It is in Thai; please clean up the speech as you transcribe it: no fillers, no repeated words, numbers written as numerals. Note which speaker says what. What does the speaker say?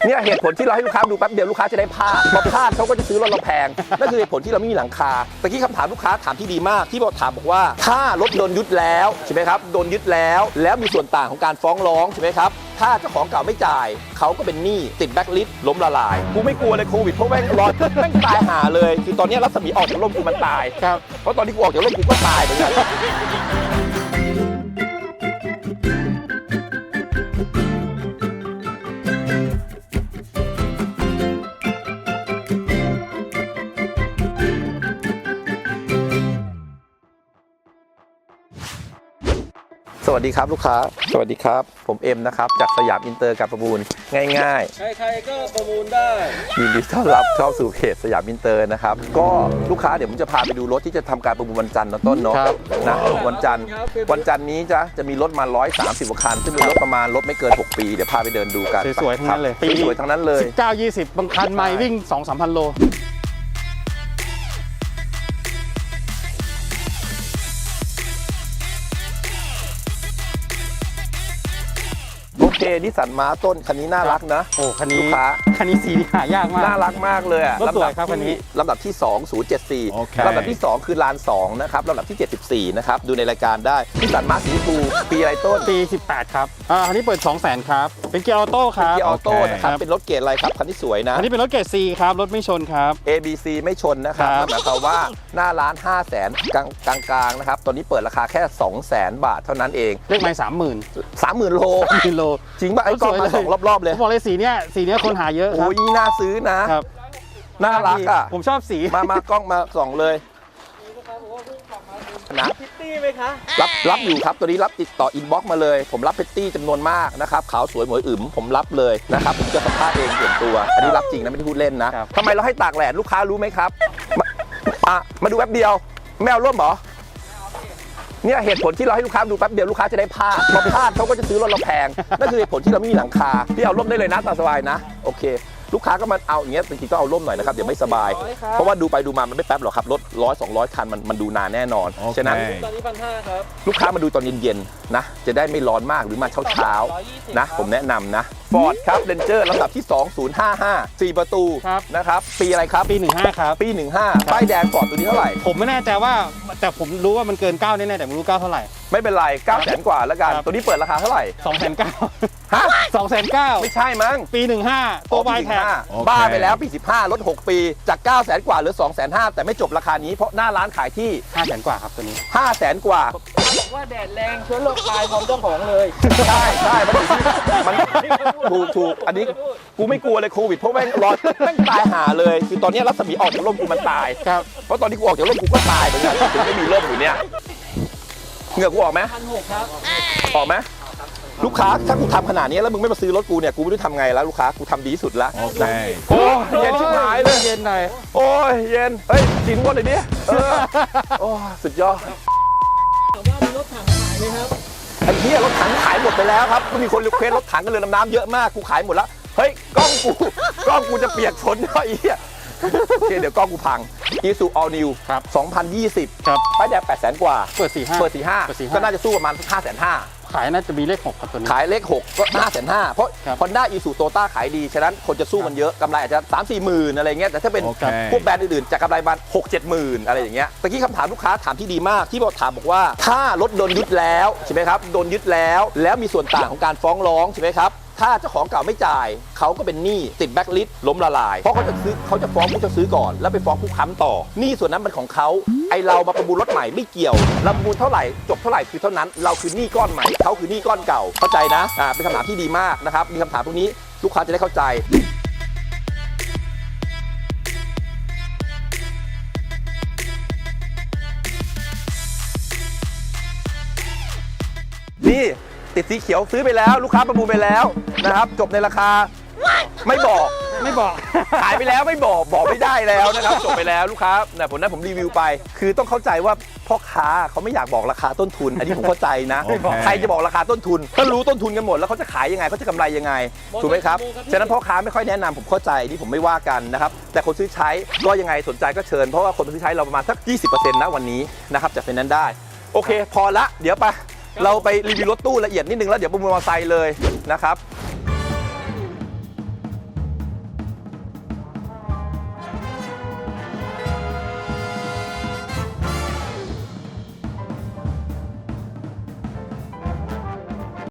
Speaker 1: เนี่ยเหตุผลที่เราให้ลูกค้าดูแป๊บเดียวลูกค้าจะได้พลาดพอพลาดเขาก็จะซื้อรถเราแพงนั่นคือเหตุผลที่เราไม่มีหลังคาตะกี้คำถามลูกค้าถามที่ดีมากที่บอกถามบอกว่าถ้ารถโดนยึดแล้วใช่ไหมครับโดนยึดแล้วมีส่วนต่างของการฟ้องร้องใช่ไหมครับถ้าเจ้าของเก่าไม่จ่ายเขาก็เป็นหนี้ติดแบ็คลิสต์ล้มละลายกูไม่กลัวเลยโควิดเพราะแม่งรอแม่งตายหาเลยคือตอนนี้รัศมีออกจากร่มกูมันตายครับเพราะตอนที่กูออกจากร่มกูก็ตายเหมือนกันสวัสดีครับลูกค้าสวัสดีครับผมเอ็มนะครับจากสยามอินเตอร์การประมูลง่ายๆ
Speaker 2: ใครๆก็ประมูลได้
Speaker 1: ยินดีต้อนรับเข้าสู่เพจสยามอินเตอร์นะครับก็ลูกค้าเดี๋ยวผมจะพาไปดูรถที่จะทำการประมูลวันจันทร์นะต้นเนาะนะวันจันทร์นี้จะมีรถมา130กว่าคันซึ่งเป็นรถประมาณรถไม่เกิน6ปีเดี๋ยวพาไปเดินดูกัน
Speaker 3: สวยๆทั้งนั้นเลย
Speaker 1: ปีสวยทั้งนั้นเลย
Speaker 3: 19-20บางคันใหม่วิ่ง 2-3,000 โล
Speaker 1: โอเคนิสสันมาต้นคันนี้น่ารักนะ
Speaker 3: โอ้คันนี้
Speaker 1: ลูกค้า
Speaker 3: คันนี้สีหายากมาก
Speaker 1: น่ารักมากเลยอะ
Speaker 3: รถสวยครับคันนี้
Speaker 1: ลำดับที่2074ลำดับที่2คือลาน2นะครับลำดับที่74นะครับดูในรายการได้นิสสันมาสีชมพูปีอะไรต้น
Speaker 3: ปี18ครับคันนี้เปิด 200,000 ครับเป็นเกียร์ออโต้ครับ
Speaker 1: เกียร์ออโต้นะครับเป็นรถเกรดอะไรครับคันที่สวยนะ
Speaker 3: อันนี้เป็นรถเกรด C ครับรถไม่ชนครับ
Speaker 1: ABC ไม่ชนนะครับหมายความว่าหน้าร้าน500,000กลางๆนะครับตอนนี้เปิดราคาแค่200,000 บาทเท่านั้นเอง
Speaker 3: เลขไมล์
Speaker 1: 30,000 โลจริงป่ะไอ้กล้องมา2รอบๆเลย
Speaker 3: ผมบอกเลยสีเนี้ยคนหาเยอะครับ
Speaker 1: โอ้ยน่าซื้อนะครับน่ารักอ่ะ
Speaker 3: ผมชอบสี
Speaker 1: มากล้องมาส่องเลยนะ
Speaker 2: พิตตี้ไหมคะ
Speaker 1: รับอยู่ครับตัวนี้รับติดต่ออินบ็อกซ์มาเลยผมรับพิตตี้จำนวนมากนะครับขาวสวยหมวยอึ๋มผมรับเลยนะครับผมจะสัมภาษณ์เองส่วนตัวอันนี้รับจริงนะไม่ได้พูดเล่นนะทำไมเราให้ตากแดดลูกค้ารู้ไหมครับมาดูแป๊บเดียวไม่เอาร่มเหรอเนี่ยเหตุผลที่เราให้ลูกค้าดูแป๊บเดียวลูกค้าจะได้พลาดพอพลาดเขาก็จะซื้อรถเราแพงนั่นคือเหตุผลที่เราไม่มีหลังคาพี่เอาร่มได้เลยนะตามสบายนะโอเคลูกค้าก็มาเอาอย่างเงี้ยจริงๆก็เอาร่มหน่อยนะครับเดี๋ยวไม่สบายเพราะว่าดูไปดูมามันไม่แป๊บหรอกครับรถ100-200 คันมันดูนานแน่นอนฉะนั้น
Speaker 2: ตอนนี้1,500ครับ
Speaker 1: ลูกค้ามาดูตอนเย็นๆนะจะได้ไม่ร้อนมากหรือมาเช้าๆนะผมแนะนำนะฟอร์ดครับเรนเจอร์ลำดับที่2055 4 ประตูนะครับปีอะไรครับ
Speaker 3: ปี15ครับ
Speaker 1: ปี15ป้ายแดงฟอร์ดตัวนี้เท่าไหร่
Speaker 3: ผมไม่แน่ใจว่าแต่ผมรู้ว่ามันเกิน9แน่ๆแต่ไม่รู้9เท่าไหร่
Speaker 1: ไม่เป็นไร900,000 กว่าแล้วกันตัวนี้เปิดราคาเท่าไหร่
Speaker 3: 290,000ฮะ290,000
Speaker 1: ไม่ใช่มั้ง
Speaker 3: ปี15ตัววายแท็ก
Speaker 1: บ้าไปแล้วปี15ลด6ปีจาก900,000 กว่าเหลือ250,000แต่ไม่จบราคานี้เพราะหน้าร้านขายที่
Speaker 3: 500,000 กว่าครับตัวนี้
Speaker 1: 500,000 กว่า
Speaker 2: บอกว่าแดดแรงเชื้อโรคตายพร้อมเจ้าของเลย
Speaker 1: ใช่มันถูกอันนี้กูไม่กลัวเลยโควิดเพราะแม่งรอแม่งตายหาเลยคือตอนนี้รัศมีออกจากร่มกูมันตายเพราะตอนที่กูออกจากร่มกูก็ตายเหมือนกันถึงไม่มีร่มอยู่เนี่ยเหงื่อกูออกไหม
Speaker 2: 1,600ครับ
Speaker 1: ออกไหมลูกค้าถ้ากูทำขนาดนี้แล้วมึงไม่มาซื้อรถกูเนี่ยกูไม่รู้ทำไงแล้วลูกค้ากูทำดีที่สุดแล้วโอ้เย็นชิบหายเลย
Speaker 3: เย็นหน่อย
Speaker 1: โอ้ยเย็นเฮ้ยจริงหมดเลยดิโอ้สุดยอด
Speaker 2: ถามว่ามีรถถังขายไหมครับ
Speaker 1: ไอ้เหี้ยรถถังขายหมดไปแล้วครับก็มีคนรีเควสรถถังกันเรือดำน้ำเยอะมากกูขายหมดแล้วเฮ้ยกล้องกูจะเปียกฝนไอ้เหี้ยโอเคเดี๋ยวกล้องกูพัง Isuzu All New 2020
Speaker 3: ครับ
Speaker 1: ป้ายแดง800,000 กว่า
Speaker 3: เปิด
Speaker 1: 45ก็น่าจะสู้ประมาณ550,000
Speaker 3: ขายน่าจะมีเลข6ครับตัวนี้
Speaker 1: ขายเลข6ก็550,000เพราะ Honda Isuzu Toyota ขายดีฉะนั้นคนจะสู้มันเยอะกำไรอาจจะ 3-4 หมื่นอะไรเงี้ยแต่ถ้าเป็นพวกแบรนด์อื่นๆจะกำไรประมาณ 6-7 หมื่นอะไรอย่างเงี้ยตะกี้คำถามลูกค้าถามที่ดีมากที่ถามบอกว่าถ้ารถโดนยึดแล้วใช่ไหมครับโดนยึดแล้วมีส่วนต่างของการฟ้องร้องใช่ไหมครับถ้าเจ้าของเก่าไม่จ่ายเขาก็เป็นหนี้ติดแบ็คลิสต์ล้มละลายเพราะเขาจะฟ้องผู้จะซื้อก่อนแล้วไปฟ้องผู้ค้ำต่อหนี้ส่วนนั้นมันของเขาไอเรามาประมูลรถใหม่ไม่เกี่ยวเราประมูลเท่าไหร่จบเท่าไหร่คือเท่านั้นเราคือหนี้ก้อนใหม่เขาคือหนี้ก้อนเก่าเข้าใจนะเป็นคำถามที่ดีมากนะครับมีคำถามพวกนี้ลูกค้าจะได้เข้าใจนี่ติดสีเขียวซื้อไปแล้วลูกค้าประมูลไปแล้วนะครับจบในราคาไม่บอกขายไปแล้วไม่บอกไม่ได้แล้วนะครับจบไปแล้วลูกค้าเนี่ยผมรีวิวไปคือต้องเข้าใจว่าพ่อค้าเขาไม่อยากบอกราคาต้นทุนอันนี้ผมเข้าใจนะใครจะบอกราคาต้นทุนก็รู้ต้นทุนกันหมดแล้วเขาจะขายยังไงเขาจะกำไรยังไงถูกไหมครับฉะนั้นพ่อค้าไม่ค่อยแนะนำผมเข้าใจนี่ผมไม่ว่ากันนะครับแต่คนซื้อใช้ก็ยังไงสนใจก็เชิญเพราะว่าคนซื้อใช้เราประมาณสัก 20% นะวันนี้นะครับจากเป็นนั้นได้โอเคพอละเดี๋ยวไปเราไปรีวิวรถตู้ละเอียดนิดนึงแล้วเดี๋ยวประมูลมอเตอร์ไซค์เลยนะครับ